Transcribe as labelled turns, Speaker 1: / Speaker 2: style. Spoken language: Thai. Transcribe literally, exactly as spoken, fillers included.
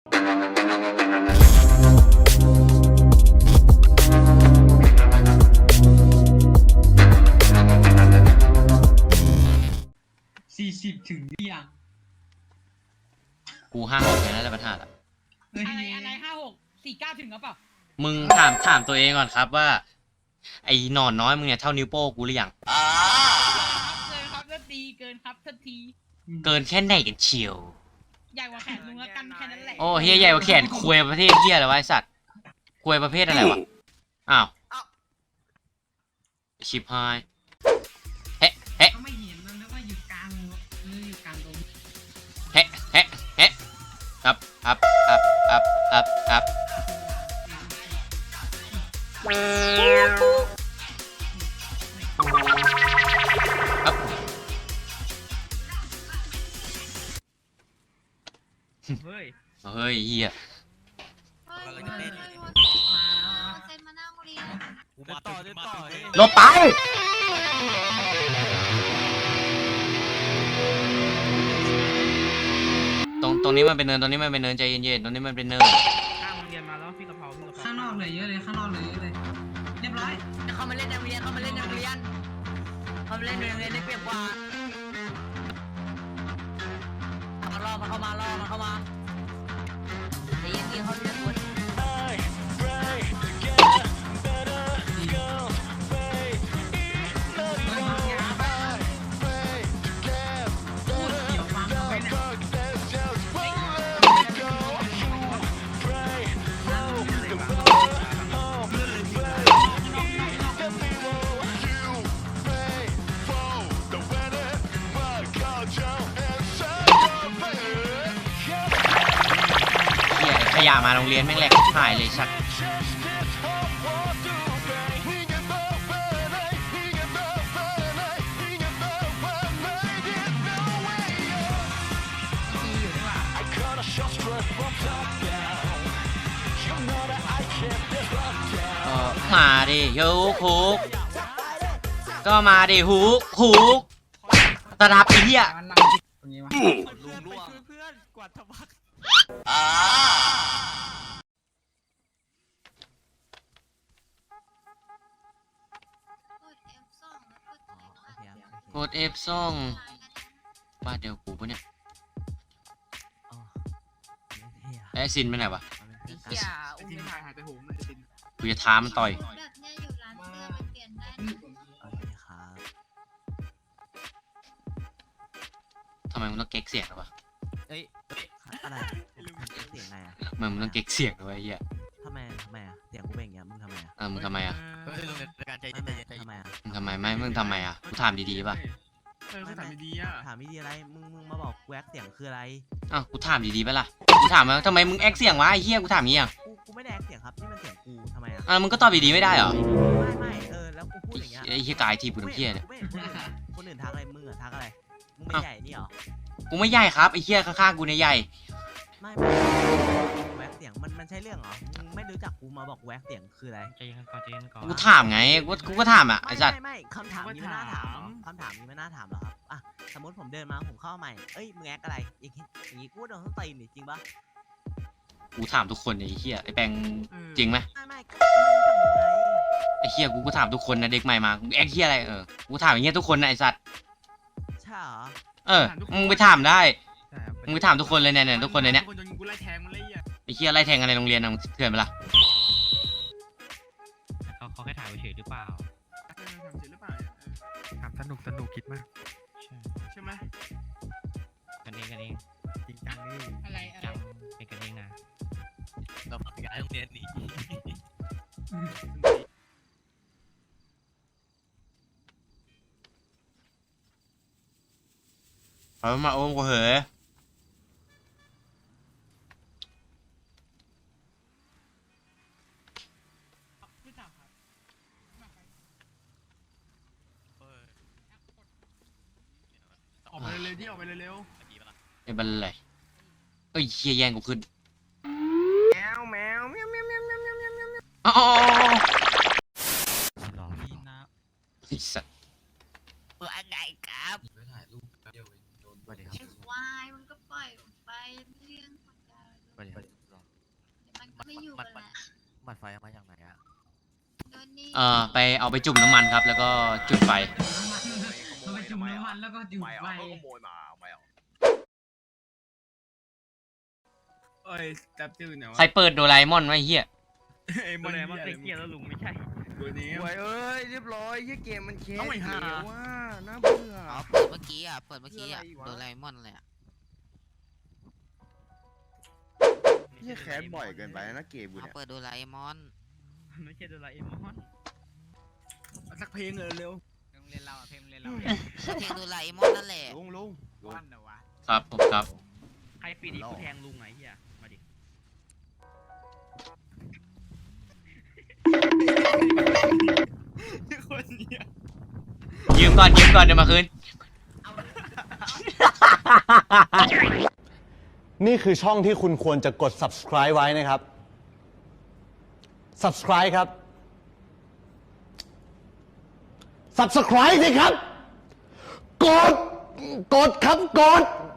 Speaker 1: สี่สิบถึงหรือยัง
Speaker 2: กูห้าหกแล้วแต่ปัญหาละ
Speaker 3: อะไรอะไรห้าหกสี่เก้าถึงหรือเปล่า
Speaker 2: มึงถามถามตัวเองก่อนครับว่าไอ้หนอนน้อยมึงเนี่ยเท่านิ้วโป้กูหรือยัง
Speaker 3: เกินครับเท่าทีเกินครับเท่าที
Speaker 2: เกินแค่ไหนกันเชียว
Speaker 3: ใหญ่กว่าแขนมึงแล้วกันแค่นั้นแหละ
Speaker 2: โอ้เฮียใหญ่กว่าแขนควยประเภทเฮียอะไรวะไอสัตว์ควยประเภทอะไรวะอ้าวชิบหายเฮ้เฮ้
Speaker 1: ก็ไม่เห็นมันแล้วว่าอยู่กลางหรืออยู่กลางตรง
Speaker 2: เฮ้เฮ้เฮ้ครับครับครับครับครับครับครับ
Speaker 4: เฮ้ย
Speaker 2: เฮ้ยเฮียลบไปตรงตรงนี้มันเป็นเนินตรงนี้มันเป็นเนินใจเย็นๆตรงนี้มันเป็นเนิน
Speaker 4: ข้างโรงเรียนมาแล้วพี่กะเพราพี่กะเพรา
Speaker 1: ข้างนอกเลยเยอะเลยข้างนอกเลยเยอะเลยเรียบร้อย
Speaker 5: เขามาเล่นในโรงเรียนเขามาเล่นในโรงเรียนเขามาเล่นในโรงเรียนได้เปรียบกว่ามาล่อมาเข้ามาล่อมาเข้ามาเดี๋ยวยิงเขาเรียนคน
Speaker 2: ขยะมาโรงเรียนแม่งแหลกหายเลยสัตว์มาดิยูคุกก็มาดิฮุกฮุกตะรับไอ้เหี้ย
Speaker 1: ตรงนี้วะ
Speaker 4: ลุงล่วงเพื่อนกวาดทวัก
Speaker 2: กด F ซ่องบ้านเดียวกูปะเนี่ยไอ้ซินไปไหนวะ
Speaker 5: อย่าอุ้ม
Speaker 4: หายหายไปหูมันจะ
Speaker 2: กูจะท้ามันต่อยทำไมมึงต้องเก๊กเสียงหรอวะ
Speaker 5: เอ้ยอะไรเสียงไงอ่ะ
Speaker 2: มึงมึงต้องเก๊กเสียงด้วยไอ้เหี้ย
Speaker 5: ทำไมทำไมอ่ะเสียงกูเป็นอย่างเงี้ยมึงทำไมอ่ะ
Speaker 2: เออมึงทำไมอ่ะ
Speaker 5: การใจเย็นใจเย็นทำไมอ่ะ
Speaker 2: มึงทำไมไม่มึงทำไมอ่ะกูถามดีๆป่ะ
Speaker 4: เออถามดีๆอ่ะ
Speaker 5: ถามดีๆอะไรมึงมึงมาบอกแวกเสียงคืออะไร
Speaker 2: อ้าวกูถามดีๆป่ะล่ะกูถามว่าทำไมมึงแอคเสียงวะไอ้เหี้ยกูถามงี้อ่ะ
Speaker 5: กูกูไม่ได้แอคเสียงครับนี่มันเสียงกูทำไมอ่ะ
Speaker 2: อ่ะมึงก็ตอบดีๆไม่ได้เหรอ
Speaker 5: ไม่ไม่เออแล้วกูพูดอย่างเงี้ย
Speaker 2: ไอ้เหี้ยกายทีกูน้ำเหี้ยเนี่ย
Speaker 5: คนอื่นทักอะไรมึงอ่ะทักอะไรมึงไม่ใหญ่นี่หรอ
Speaker 2: กูไม่ใหญ่ครับไอ้เหี้ยข้างๆกูเนี่ยใหญ่
Speaker 5: ไม่ไม่แวกเสียงมันมันใช่เรื่องเหรอมึงไม่รู้จักกูมาบอกแวกเสียงคืออะไร
Speaker 4: ใจเย็นก่อนใจเย็นก่อน
Speaker 2: กูถามไงกูกูก็ถามอ่ะไอ้สัตว์
Speaker 5: ไม่ไม่คำถามนี้ไม่น่าถามคำถามนี้ไม่น่าถามหรอครับอ่ะสมมติผมเดินมาผมเข้าใหม่เอ้ยมึงแอคอะไรอย่างงี้อย่างงี้กูโดนต้องตีนจริงปะ
Speaker 2: กูถามทุกคนไอ้เหี้ยไอ้แปงจริงไหม
Speaker 5: ไม่ไม่ไม่รู้จักมึงไง
Speaker 2: ไอ้เหี้ยกูก็ถามทุกคนนะเด็กใหม่มาแอคเหี้ยอะไรเออกูถามอย่างเงี้ยทุกคนนะไอ้สัตว์
Speaker 5: ใช่เหรอ
Speaker 2: เออมึงไปถามได้มึงไปถามทุกคนเลยเนี่ยเนี่ยทุกคนเลยเนี่ยไอ้เหี้ยไล่แทงกันในโรงเรียนนะมึงเถื่อนไปละ
Speaker 4: เขาเขาแค่ถ่ายเฉยหรือเปล่าถามเฉยหรือเปล่าถามสนุกสนุกคิดมากใช่ไหมกันเองกันเองจริงจังนี่
Speaker 3: อะไรอะไร
Speaker 4: เป็นกันเองนะ
Speaker 5: เราปรับย้ายโรงเรียนนี้
Speaker 2: เอามาโอมกูเหรอ
Speaker 4: ออกไปเร็วๆที่ออกไปเร็ว
Speaker 2: ไอ้บันเลยเอ้ยเฮียแย่งกูขึ้น
Speaker 4: แมวแมวแมวแมวแมวแมวแมวแมวแมว
Speaker 2: อ๋อ
Speaker 4: หล่อพี่นะ
Speaker 2: ไอ้สัส
Speaker 5: ว่าไงครับ
Speaker 6: ไปถ่ายรูปเดียวโดนไปเดี๋ยว
Speaker 5: วายมันก็ปล่อยไปเรื่องของเรา
Speaker 6: มันมันมันไฟเอามาจากไหนอะ
Speaker 2: เอ่อไปเอาไปจุ่มน้ำมันครับ แล้วก็จุดไฟ
Speaker 1: น้ำมันเราไปจุ่มน้ำมันแล้วก็จุดไฟ
Speaker 4: เอ้ยจับจืดเนี่ยวะ
Speaker 2: ใครเปิดโดราเอมอนไว้เฮีย
Speaker 4: ไอ้มันมันเป็นเกียร์แล้วลุงไม่ใช่ตัวนี้
Speaker 7: หวยเอ้ยเรียบร้อยยี่เกมมันแคส
Speaker 4: เอาไว้หา
Speaker 7: แล้วว่าน่าเบื่อ
Speaker 8: อ๋อเปิดเมื่อกี้อ่ะ เปิดเมื่อกี้อ่ะ
Speaker 7: คืออะไรวะ
Speaker 8: โดราเอมอนเลยอ่ะ
Speaker 7: ยี่แคสบ่อยเกินไปนะเกมกู
Speaker 8: เอา
Speaker 7: เนี่ย
Speaker 8: เปิดโดราเอมอน
Speaker 4: ไม่ใช่โดราเอมอนสักเพลงเลยเร็ว
Speaker 3: เพลงเรียนเราอ่ะเพลงเรียนเรา
Speaker 8: ก็เพลงโดราเอมอนนั่นแหละ
Speaker 7: ลุงลุงลุง
Speaker 3: วันเหรอวะ
Speaker 2: ครับผมครับ
Speaker 4: ใครปีนี้กูแทงลุงไงเฮียมาดิ คนเนี้ย
Speaker 2: ยืมก่อนยืมก่อนเดี๋ยวมาคืน
Speaker 9: นี่คือช่องที่คุณควรจะกด subscribe ไว้นะครับ subscribe ครับ subscribe สิครับ กด กดครับ กด